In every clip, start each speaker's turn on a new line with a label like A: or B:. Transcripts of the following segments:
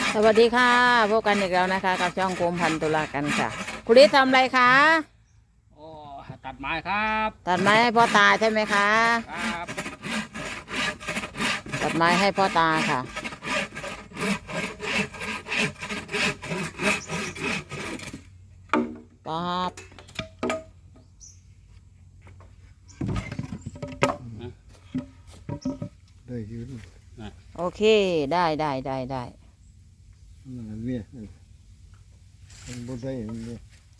A: สวัสดีค่ะพบกันอีกแล้วนะคะกับช่องโคมพันตุลากันค่ะคุณฤทธิ์ทำอะไรคะ
B: โอ้ตัดไม้ครับ
A: ตัดไม้ให้พ่อตาใช่ไหมคะ
B: ครับ
A: ตัดไม้ให้พ่อตาค่ะป๊าบ
C: ได้ยืน
A: โอเคได้
C: มันเนี่ยมันบ่ได้เนี่ย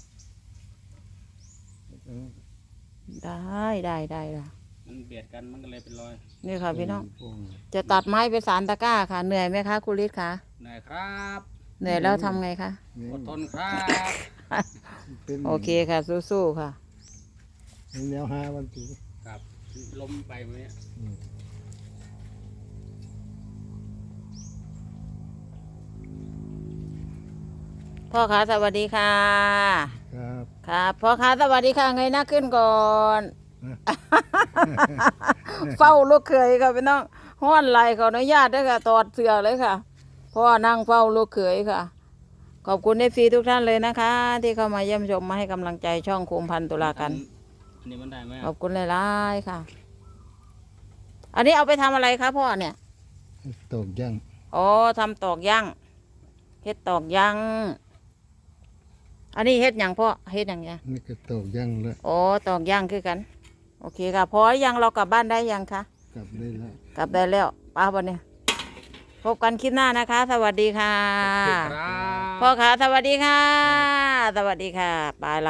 A: ได้ละ
B: มันเบียดกันมันก็เลยเป็นรอย
A: นี่ค่ะพี่น้องจะตัดไม้ไปสารตะกร้าค่ะเหนื่อยไหมคะคุณฤทธิ์คะ
B: เหนื่อยครับ
A: เหนื่อยแล้วทำไงคะ
B: อดทนครับ
A: โอเคค่ะสู้ๆค่ะ
C: แนวหาวันตี
B: ครับล้มไปไหมเนี่ย
A: พ่อคะสวัสดีค่ะ
C: ครับ
A: ครับพ่อคะสวัสดีค่ะเงยหน้าขึ้นก่อน เฝ้าลูกเขยค่ะพี่น้องห้อนไหลขออนุญาตด้วยค่ะถอดเสื้อเลยค่ะพ่อนั่งเฝ้าลูกเขยค่ะ ขอบคุณเอฟซีทุกท่านเลยนะคะ ที่เข้ามาเยี่ยมชมมาให้กำลังใจช่องโคมพันตุลากัน
B: อันนี้มันได้ไหม
A: ขอบคุณหลายๆค่ะ อันนี้เอาไปทำอะไรคะพ่อเนี่ย
C: ตกย่าง
A: อ๋อทำตอกย่างเฮ็ดตอกย่างอันนี้เฮ็ดหยังพ่อเฮ็ดหยังไง
C: นี่ก็ตกย่างแล้ว
A: โอ้ตอกย่างคือกัน โอเคค่ะพอหรือยังเรากลับบ้านได้ยังคะ
C: กลับได้แล้ว
A: กลับได้แล้วป้าวันนี้พบกันคลิปหน้านะคะ สวัสดีค่ะ
B: ครับ
A: พ่อขาสวัสดีค่ะ สวัสดีค่ะไปละ